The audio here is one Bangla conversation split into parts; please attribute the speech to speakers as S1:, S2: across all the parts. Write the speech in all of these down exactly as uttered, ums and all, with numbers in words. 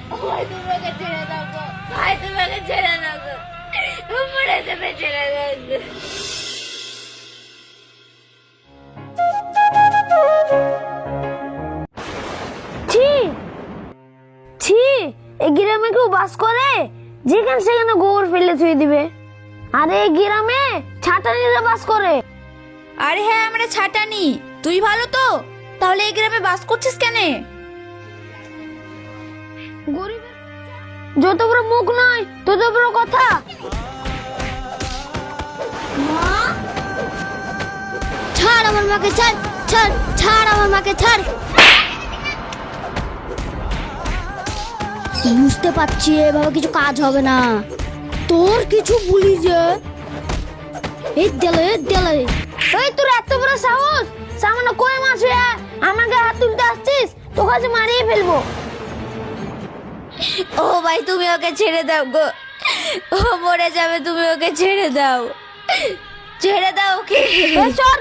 S1: ভাই তুমি ওকে ছেড়ে দাও গো, ভাই তুমি ওকে ছেড়ে দাও গো, ও মরে যাবে, ছেড়ে দাও গো।
S2: ছি ছি, এই গ্রামে কেউ বাস করে যেখানে সেখানে গোবর ফেলে থুয়ে দিবে? আরে এই গ্রামে ছাটানিরা বাস করে।
S3: আরে হ্যাঁ, আমরা ছাটানি। তুই ভালো তো? তাহলে এই গ্রামে বাস করছিস কেন?
S2: গরিবের যত বড় মুখ নয় তত বড় কথা।
S4: ছাড় আমার মাকে, ছাড় ছাড় ছাড় আমার মাকে, ছাড়। বুঝতে পারছি এভাবে কিছু কাজ হবে না। তোর কিছু বলি যে এই দেলে এই দেলে
S2: এই তোর এত বড় সাহস, সামান্য কই মাছ হয়ে আমাকে হাত তুলতে আসছিস? তোকে আজ মারিয়ে ফেলবো।
S3: ও ভাই তুমি ওকে ছেড়ে দাও গো, ও মরে যাবে, তুমি ওকে ছেড়ে দাও, ছেড়ে দাও ওকে।
S2: এই সর।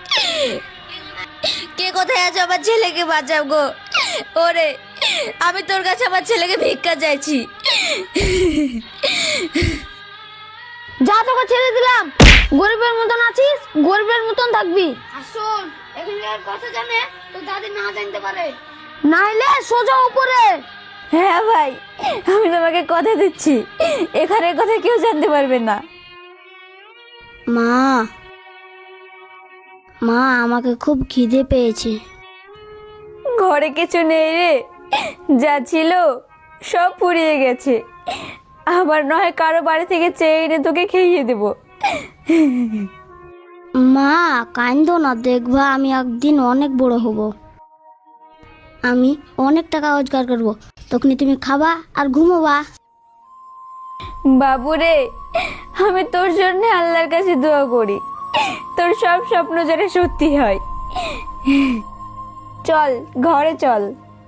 S3: কে কোথায় আছো? আমার ছেলেকে বাঁচাও গো। ওরে, আমি তোর কাছে আমার ছেলেকে ভিক্ষা চাইছি।
S2: যা, তোকে ছেড়ে দিলাম। গরিবের মতন আছিস, গরিবের মতন থাকবি। আসুন, এখানকার কথা জানে তো দাদি না জানতে পারে, নাইলে সোজা উপরে।
S3: হ্যাঁ ভাই, আমি তোমাকে কথা দিচ্ছি, এখানের কথা কেউ জানতে পারবে না।
S4: মা মা আমাকে খুব খিদে পেয়েছে।
S3: ঘরে কিছু নেই রে, যা ছিল সব পুড়িয়ে গেছে। আবার নয় কারো বাড়ি থেকে চেয়ে এনে তোকে খেয়ে দেবো।
S4: মা কান্দো না, দেখবা আমি একদিন অনেক বড় হব, আমি অনেক টাকা রোজগার করব, তখনই তুমি খাবা আর ঘুমোবা।
S3: বাবু রে, আমি তোর জন্য আল্লাহর কাছে দোয়া করি, তোর সব স্বপ্ন যেন সত্যি হয়। চল ঘরে চল।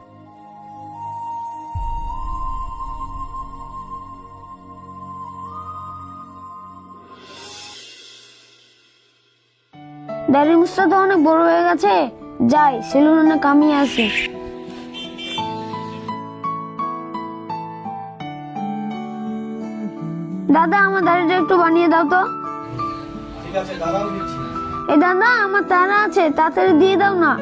S2: দাড়ি মুছটা তো অনেক বড় হয়ে গেছে, যাই সেলুনে কামিয়ে আসি। দাদা, আমার দাড়িটা একটু বানিয়ে দাও তো।
S5: ঠিক আছে, দাঁড়াও দিচ্ছি।
S2: এই দাদা, আমার তারা আছে, তাড়াতাড়ি দিয়ে দাও না।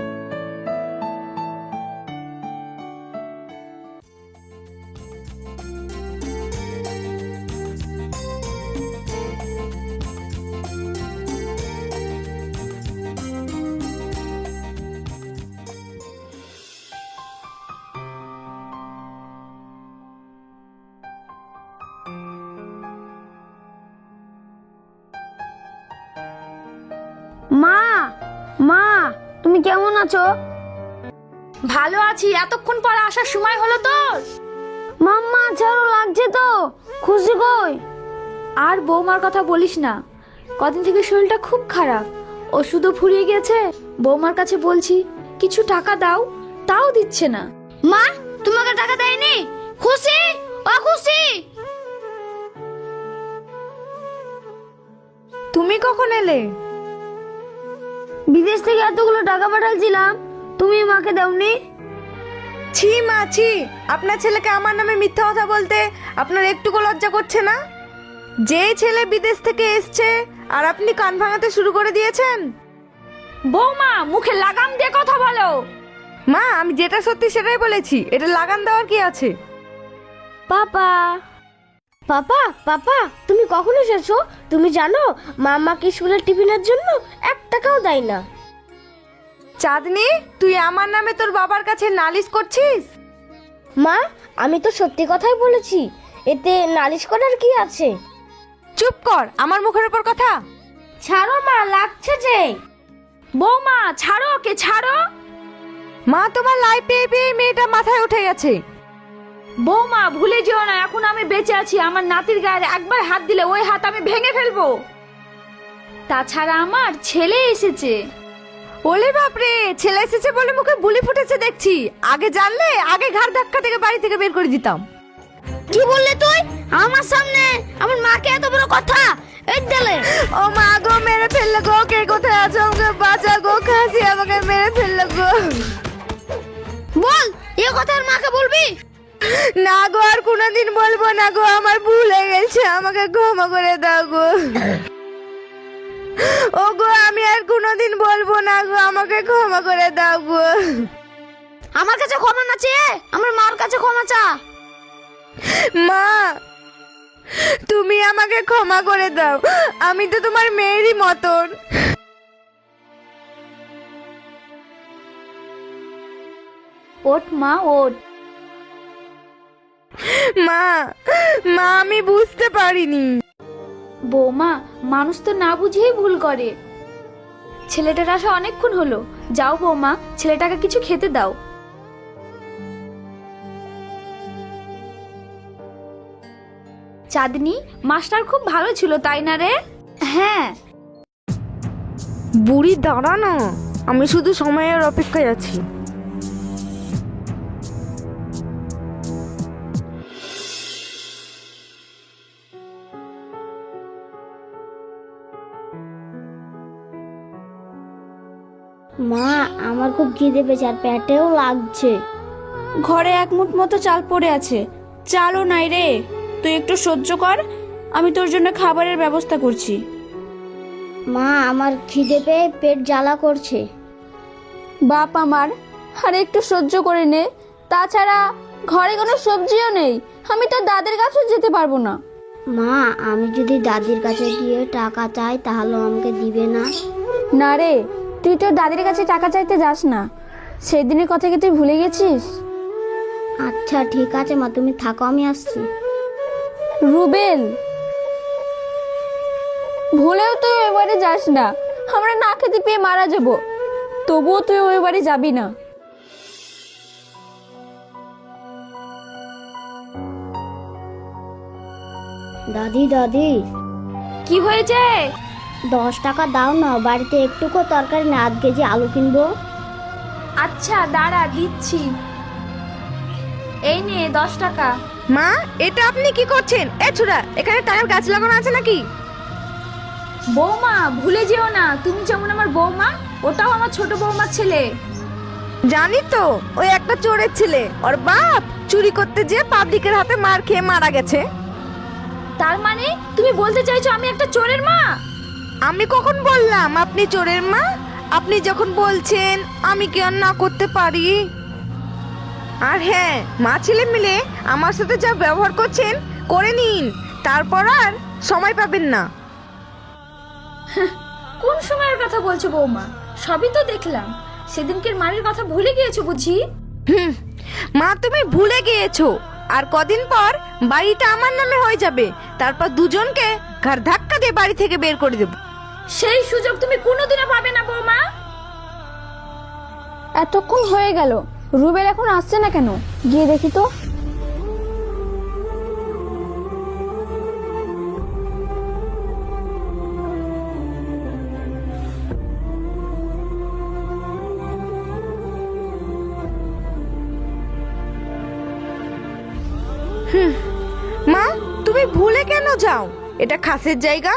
S2: মা মা, তুমি কেমন আছো?
S3: ভালো আছি, এতক্ষণ পর আসার সময় হলো তোর?
S2: মাম্মা, ছাড়ো, লাগছে তো। খুশি কই?
S3: আর বৌমার কথা বলিস না, কদিন থেকে শরীরটা খুব খারাপ, ওষুধও ফুরিয়ে গেছে। বৌমার কাছে বলছি কিছু টাকা দাও, তাও দিচ্ছে না।
S2: মা, তোমাকে টাকা দেয়নি? খুশি ও খুশি।
S3: তুমি কখন এলে?
S2: বিদেশ থেকে এতগুলো টাকা পাঠাইছিলাম, তুমি মাকে দাওনি?
S6: ছি মা ছি, আপনার ছেলেকে আমার নামে মিথ্যা কথা বলতে আপনার একটুকু লজ্জা করছে না? যে ছেলে বিদেশ থেকে এসছে আর আপনি কান ভাঙাতে শুরু করে দিয়েছেন।
S3: বৌমা, মুখে লাগাম দিয়ে কথা বলো।
S6: মা, আমি যেটা সত্যি সেটাই বলেছি, এটা লাগান দেওয়ার কি আছে?
S4: পাপা পাপা পাপা, তুমি কখন এসেছো? তুমি জানো মা আমাকে স্কুলের টিফিনের জন্য এক টাকাও দেয় না।
S6: চাঁদনি, তুই আমার নামে তোর বাবার কাছে নালিশ করছিস?
S4: মা, আমি তো সত্যি কথাই বলেছি, এতে নালিশ করার কি আছে?
S6: চুপ কর, আমার মুখের উপর কথা।
S4: ছাড়ো মা, লাগছে যে।
S3: বৌমা ছাড়ো ওকে, ছাড়ো।
S6: মা, তোমার লাই পেয়ে পেয়ে মেয়েটা মাথায় উঠে গেছে।
S3: বৌমা ভুলে যেও না, এখন আমি বেঁচে আছি। আমার নাতির গায়ে একবার হাত দিলে ওই হাত আমি ভেঙে ফেলবো। তাছাড়া আমার ছেলে এসেছে।
S6: ওলে বাপরে, ছেলে এসেছে বলে মুখে বুলি ফুটেছে দেখছি। আগে জানলে আগে ঘাড় ধাক্কা থেকে বাড়ি থেকে বের করে দিতাম।
S2: কি বললি তুই আমার সামনে? আমার মাকে এত বড় কথা? এই দিলে
S6: ও মা গো, মেরে ফেললো গো, কে কোথায় আছো? আমাকে বাঁচা গো, খাসি আমাকে মেরে ফেললো গো।
S2: বল, এ কথা আর মাকে বলবি?
S6: না গো, আর কোনোদিন বলবো না গো, আমার ভুল হয়ে গেছে, আমাকে ক্ষমা করে দাও গো। ও গো, আমি আর কোনোদিন বলবো না গো, আমাকে ক্ষমা করে দাও গো।
S2: আমার কাছে ক্ষমা না চেয়ে আমার মার কাছে ক্ষমা চা।
S6: মা, তুমি আমাকে ক্ষমা করে দাও, আমি তো তোমার মেয়েরই মতন।
S3: ওঠ মা ওঠ।
S6: মা, মা আমি বুঝতে পারিনি।
S3: বৌমা, মানুষ তো না বুঝেই ভুল করে। ছেলেটার আসা অনেকক্ষণ হলো, যাও বৌমা, ছেলেটাকে কিছু খেতে দাও। চাঁদনি, মাস্টার খুব ভালো ছিল তাই না রে? হ্যাঁ।
S6: বুড়ি দাঁড়া না, আমি শুধু সময়ের অপেক্ষায় আছি।
S4: মা, আমার খুব খিদে পেয়েছে আর পেটেও লাগছে।
S3: ঘরে এক মুঠ মতো চাল পড়ে আছে, চালও নাই রে। তুই একটু সহ্য কর, আমি তোর জন্য খাবারের ব্যবস্থা করছি।
S4: মা, আমার খিদে পেয়ে পেট জ্বালা করছে।
S3: বাপ আমার, আর একটু সহ্য করে নে। তাছাড়া ঘরে কোনো সবজিও নেই, আমি তো দাদের কাছেও যেতে পারবো না।
S4: মা, আমি যদি দাদির কাছে গিয়ে টাকা চাই তাহলে আমাকে দিবে না?
S3: না রে, তুই তোর দাদির কাছে টাকা চাইতে যাস না। সেই দিনের কথা কি তুই ভুলে গেছিস?
S4: আচ্ছা ঠিক আছে মা, তুমি থাকো, আমি আসছি।
S3: রুবেল, ভুলেও তুই ওই বাড়ি যাস না, আমরা না খেতে পেয়ে মারা যাব। তবুও তুই ওই বাড়ি যাবি না।
S4: দাদি দাদি,
S3: কি হয়েছে?
S4: দশ টাকা দাও না, বাড়িতে একটুকু তরকারি না, আধ কেজি আলু কিনবো।
S3: আচ্ছা দাঁড়া, দিচ্ছি। এই নে দশ টাকা।
S6: মা, এটা আপনি কি করছেন? এ ছোড়া, এখানে টাকার গাছ লাগানো আছে নাকি?
S3: বৌমা, ভুলে যেও না, তুমি যেমন আমার বৌমা, ওটাও আমার ছোট বৌমার ছেলে।
S6: জানি তো, ওই একটা চোরের ছেলে, ওর বাপ চুরি করতে যেয়ে পাবলিকের হাতে মার খেয়ে মারা গেছে।
S3: তার মানে তুমি বলতে চাইছো আমি একটা চোরের মা?
S6: আমি কখন বললাম আপনি চোরের মা? আপনি যখন বলছেন আমি কি আর না করতে পারি? আর হ্যাঁ, মা ছেলে মিলে আমার সাথে যা ব্যবহার করছেন করে নিন, তারপর আর সময় পাবেন না।
S3: কোন সময়ের কথা বলছো বৌমা? সবই তো দেখলাম। সেদিনকের মারের কথা ভুলে গিয়েছো বুঝি?
S6: হুম, মা তুমি ভুলে গিয়েছো। আর কদিন পর বাড়িটা আমার নামে হয়ে যাবে, তারপর দুজনকে ঘর ধাক্কা দিয়ে বাড়ি থেকে বের করে দেব।
S3: সেই সুযোগ তুমি কোনোদিনও পাবে না বৌমা। এতক্ষণ হয়ে গেল, রুবেল এখন আসছে না কেন? গিয়ে দেখি তো।
S6: মা, তুমি ভুলে কেন যাও? এটা খাসের জায়গা।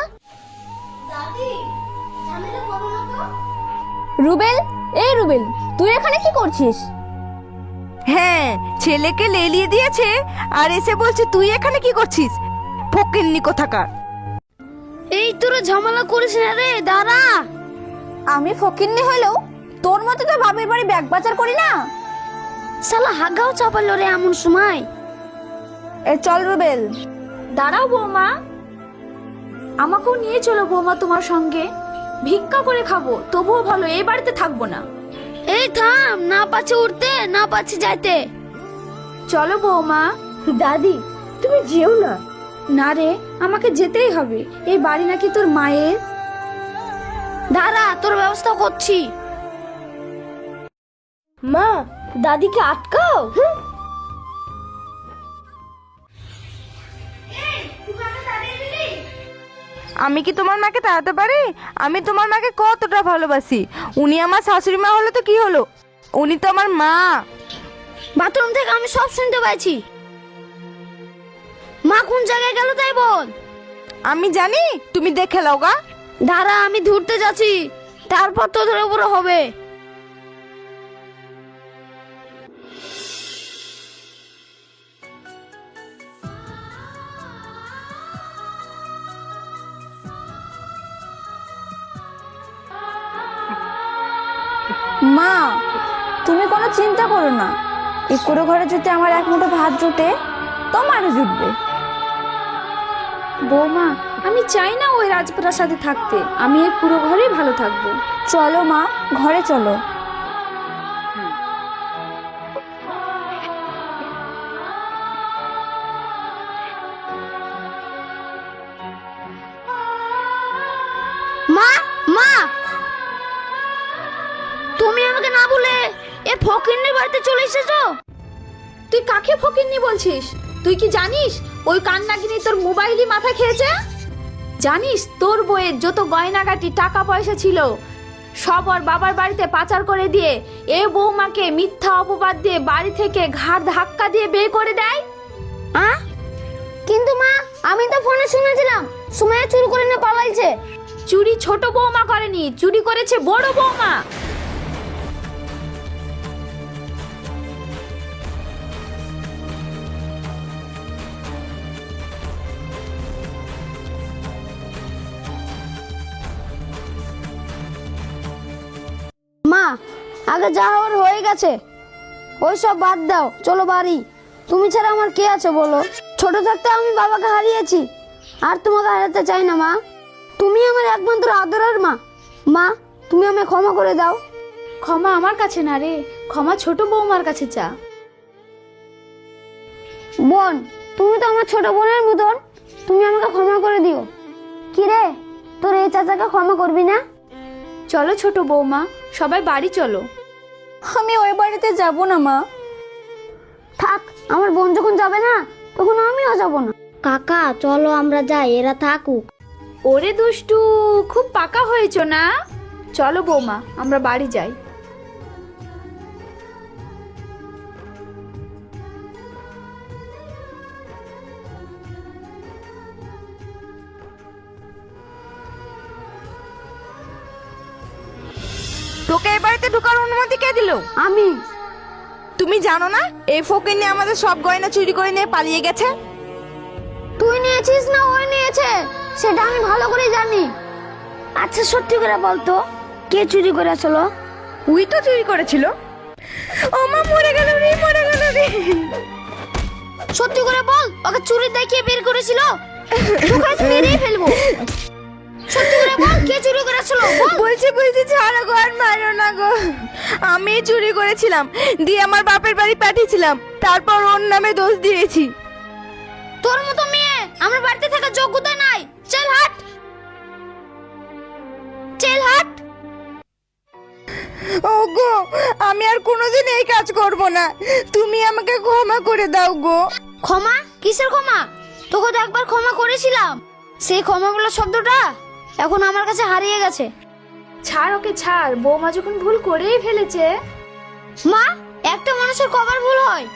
S3: রুবেল, এই রুবেল, তুই এখানে কি করছিস?
S6: হ্যাঁ, ছেলেকে লেলিয়ে দিয়েছে আর এসে বলছে তুই এখানে কি করছিস? ফকিন্নি কোথাকার।
S2: এই তোরা ঝামেলা করিস না রে, দাঁড়া।
S3: আমি ফকিন্নি হলেও তোর মতো তো বাপের বাড়ি ব্যাগ বাজার করি না।
S2: শালা হাগাও চাপালো রে এমন সময়।
S3: এ চল রুবেল। দাঁড়াও বৌমা, আমাকেও নিয়ে চলো বৌমা তোমার সঙ্গে। ভিক্ষা করে খাবো, তবুও ভালো, এই বাড়িতে থাকবো না।
S2: এই থাম, না পাচ্ছে উঠতে, না পাচ্ছে যাইতে।
S3: চলো বৌমা।
S6: দাদি, তুমি যেও না।
S3: না রে, আমাকে যেতেই হবে, এই বাড়ি নাকি তোর মায়ের।
S2: দাঁড়া, তোর ব্যবস্থা করছি।
S6: মা, দাদিকে আটকাও। আমি কি তোমার মাকে তাড়াতে পারি? আমি তোমার মাকে কতটা ভালোবাসি। উনি আমার শাশুড়ি মা হলো তো কি হলো, উনি তো আমার মা।
S2: বাথরুম থেকে আমি সব শুনতে পাইছি। মা কোন জায়গায় গেল তাই বল।
S6: আমি জানি, তুমি দেখে লাও গা।
S2: দাঁড়া, আমি ধরতে যাচ্ছি, তারপর তোদের উপরে হবে।
S3: মা, তুমি কোনো চিন্তা করো না। এই কুড়ো ঘরে যদি আমার এক মুঠো ভাত জুটে, তোমারও জুটবে। বৌমা, আমি চাই না ওই রাজপ্রাসাদে থাকতে, আমি এই কুড়ো ঘরেই ভালো থাকবো। চলো মা, ঘরে চলো।
S2: মা, মা, তুমি আমাকে না বলে এ ফকিন্নির বাড়িতে চলে এসেছো?
S3: তুই কাকে ফকিন্নি বলছিস? তুই কি জানিস ওই কান্নাগিনি তোর মোবাইলই মাথা খেয়েছে? জানিস তোর বইয়ের যত গয়নাগাটি টাকা পয়সা ছিল সব ওর বাবার বাড়িতে পাচার করে দিয়ে এ বৌমাকে মিথ্যা অপবাদ দিয়ে বাড়ি থেকে ঘাড় ধাক্কা দিয়ে বের করে দেয়।
S2: আ? কিন্তু মা, আমি তো ফোনে শুনেছিলাম সুমাইয়া চুরি করে নিয়ে পালাইছে।
S3: চুরি ছোট বৌমা করেনি, চুরি করেছে বড় বৌমা।
S2: মা, আগে যা হওয়ার হয়ে গেছে, ওই সব বাদ দাও, চলো বাড়ি। তুমি ছাড়া আমার কে আছে বলো? ছোট থাকতে আমি বাবাকে হারিয়েছি, আর তোমাকে হারাতে চাই না মা। তুমি আমার একমাত্র আদরের মা। মা, তুমি আমায় ক্ষমা করে দাও।
S3: ক্ষমা আমার কাছে না রে, ক্ষমা ছোট বৌমার কাছে চা।
S2: বোন, তুমি তো আমার ছোট বোনের মতন, তুমি আমাকে ক্ষমা করে দিও। কি রে, তোর এই চাচাকে ক্ষমা করবি না?
S3: চলো ছোট বৌমা, সবাই বাড়ি চলো। আমি ওই বাড়িতে যাব না মা।
S2: থাক, আমার বোন যখন যাবে না তখন আমিও যাব না। কাকা চলো আমরা যাই, এরা থাকুক।
S3: ওরে দুষ্টু, খুব পাকা হয়েছো না? চলো বৌমা, আমরা বাড়ি যাই।
S6: তোকে এই বাড়িতে ঢোকার অনুমতি কে দিল?
S2: আমি।
S6: তুমি জানো না এই ফকিন্নি আমাদের সব গয়না চুরি করে নিয়ে পালিয়ে গেছে?
S2: তুই নিয়েছিস না ওই নিয়েছে সেটা আমি ভালো করে জানি। আচ্ছা সত্যি করে বলতো, কে চুরি করেছিল?
S6: উই তো চুরি করেছিল। ও মা, মরে গেল রে, মরে গেল রে।
S2: সত্যি করে বল, ওকে চুরি দেখিয়ে বের করেছিল? তোকে আজ মেরেই ফেলবো। সত্যি করে বল, কে চুরি করেছিল?
S6: বলছি বলছি ছাড়ো গো, আর মারো না গো। আমি চুরি করেছিলাম, দিয়ে আমার বাপের বাড়ি পাঠিয়েছিলাম, তারপর ওর নামে দোষ দিয়েছি।
S2: তোর মতো মেয়ে আমার বাড়িতে থাকার যোগ্যতা নাই। চল হাট, চল হাট।
S6: ওগো, আমি আর কোনোদিন এই কাজ করব না, তুমি আমাকে ক্ষমা করে দাও গো।
S2: ক্ষমা? কিসের ক্ষমা? তোকে তো একবার ক্ষমা করেছিলাম, সেই ক্ষমাগুলো শব্দটা এখন আমার কাছে হারিয়ে গেছে।
S3: ছাড় ওকে, ছাড়। বৌমা যখন ভুল করেই ফেলেছে।
S2: মা, একটা মানুষের কবার ভুল হয়।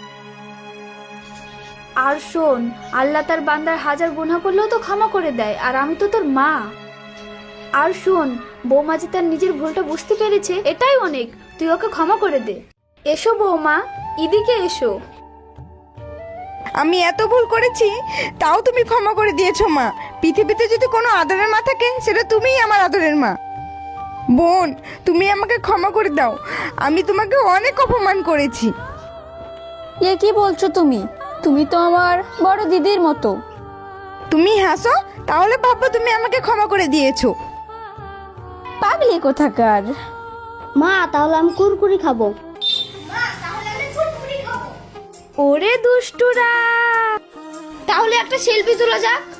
S3: আর শোন, আল্লাহ তার বান্দার হাজার গুনাহ করলেও তো ক্ষমা করে দেয়, আর আমি তো তোর মা। আর শোন, বৌমা যে তার নিজের ভুলটা বুঝতে পেরেছে এটাই অনেক, তুই ওকে ক্ষমা করে দে। এসো বৌমা, এদিকে এসো।
S6: আমি এত ভুল করেছি তাও তুমি ক্ষমা করে দিয়েছো মা। পৃথিবীতে যদি কোনো আদরের মা থাকে সেটা তুমিই আমার আদরের মা। বোন, তুমি আমাকে ক্ষমা করে দাও, আমি তোমাকে অনেক অপমান করেছি।
S3: এ কি বলছো তুমি? তুমি তো আমার বড় দিদির মতো।
S6: তুমি হাসো, তাহলে ভাববো তুমি আমাকে ক্ষমা করে দিয়েছো।
S3: পাগলি কোথাকার।
S2: মা, তাহলে আমি কুরকুরি খাবো।
S3: ওরে দুষ্টুরা,
S2: তাহলে একটা সেলফি তোলা যাক।